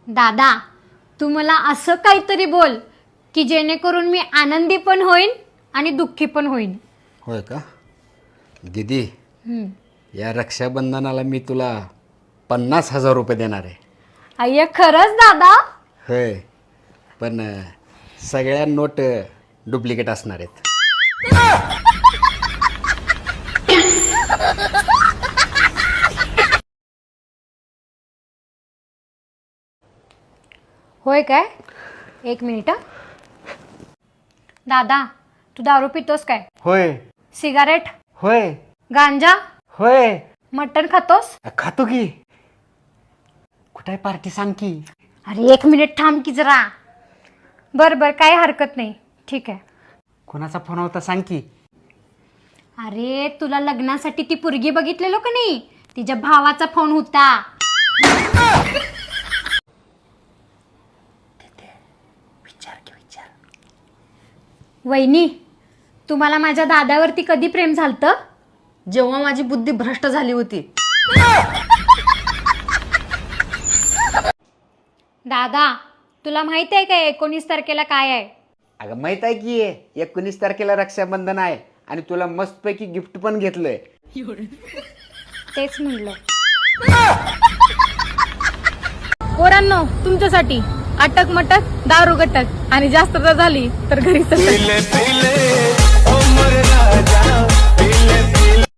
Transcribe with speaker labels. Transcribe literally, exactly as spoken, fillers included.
Speaker 1: दादा तू मला असं काहीतरी बोल की जेणेकरून मी आनंदी पण होईन आणि दुःखी पण होईन.
Speaker 2: होय का दीदी?
Speaker 1: हम्म.
Speaker 2: या रक्षाबंधनाला मी तुला पन्नास हजार रुपये देणार आहे.
Speaker 1: अय्या खरंच दादा?
Speaker 2: होय, पण अ, सगळ्या नोट डुप्लिकेट असणार आहेत.
Speaker 1: होय काय? एक मिनिट. दादा तू दारू पितोस काय?
Speaker 2: होय.
Speaker 1: सिगारेट?
Speaker 2: होय.
Speaker 1: गांजा?
Speaker 2: होय.
Speaker 1: मटण खातोस?
Speaker 2: खातो की. कुठे पार्टी सांग की.
Speaker 1: अरे एक मिनिट थांब की जरा. बर बर काही हरकत नाही, ठीक आहे.
Speaker 2: कोणाचा फोन होता सांग की.
Speaker 1: अरे तुला लग्नासाठी ती पोरगी बघितलेलो का नाही, तिच्या भावाचा फोन होता.
Speaker 2: विचार की विचार.
Speaker 1: वहिनी तुम्हाला माझ्या दादावरती कधी प्रेम झालतं?
Speaker 3: जेव्हा माझी बुद्धी भ्रष्ट झाली होती.
Speaker 1: दादा तुला माहित आहे का एकोणीस तारखेला काय आहे?
Speaker 2: अगं माहित आहे की एकोणीस तारखेला रक्षाबंधन आहे आणि तुला मस्तपैकी गिफ्ट पण घेतलंय.
Speaker 1: तेच म्हणलं.
Speaker 3: पोरांनो तुमच्यासाठी अटक मटक दारू गटक आणि जास्त जर झाली तर घरी